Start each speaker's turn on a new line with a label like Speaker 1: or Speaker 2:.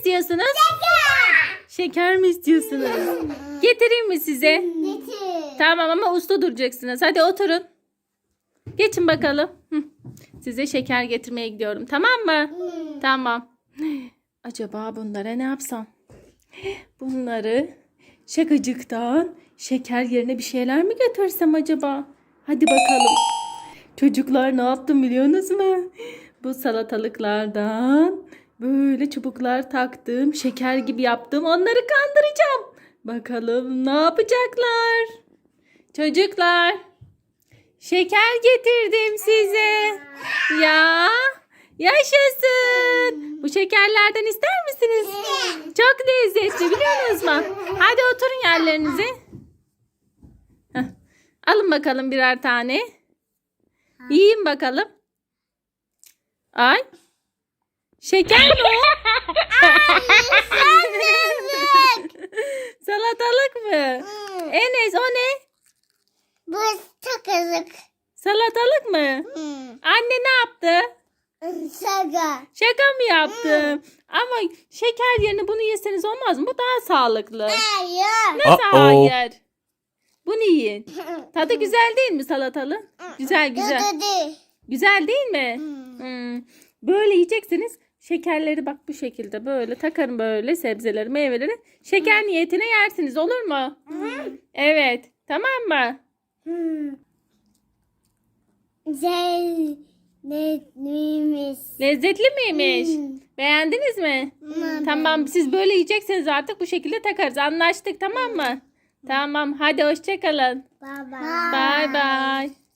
Speaker 1: istiyorsunuz? Şeker mi istiyorsunuz? Getireyim mi size?
Speaker 2: Getir.
Speaker 1: Tamam ama usta duracaksınız. Hadi oturun. Geçin bakalım. Size şeker getirmeye gidiyorum. Tamam mı? Tamam. Acaba bunlara ne yapsam? Bunları şakacıktan şeker yerine bir şeyler mi götürsem acaba? Hadi bakalım. Çocuklar ne yaptım biliyorsunuz mu? Bu salatalıklardan böyle çubuklar taktım. Şeker gibi yaptım. Onları kandıracağım. Bakalım ne yapacaklar? Çocuklar. Şeker getirdim size. Ya yaşasın. Bu şekerlerden ister misiniz? Çok lezzetli biliyorsunuz mu? Hadi oturun yerlerinize. Heh. Alın bakalım birer tane. Yiyin bakalım. Ay. Şeker mi o? Salatalık mı? Enes o ne?
Speaker 2: Bu takılık.
Speaker 1: Salatalık mı? Anne ne yaptı?
Speaker 2: Şaka.
Speaker 1: Şaka mı yaptı? Ama şeker yerine bunu yeseniz olmaz mı? Bu daha sağlıklı.
Speaker 2: Hayır.
Speaker 1: Nasıl hayır? Bunu yiyin. Tadı güzel değil mi salatalı? Güzel güzel.
Speaker 2: Dedi.
Speaker 1: Güzel değil mi? Böyle yiyeceksiniz. Şekerleri bak bu şekilde böyle takarım böyle sebzeleri meyveleri. Şeker niyetine yersiniz olur mu? Evet. Tamam mı?
Speaker 2: Lezzetliymiş.
Speaker 1: Lezzetli miymiş? Beğendiniz mi? Tamam siz böyle yiyeceksiniz artık bu şekilde takarız. Anlaştık tamam mı? Tamam hadi hoşça kalın.
Speaker 2: Baba.
Speaker 1: Bye bye.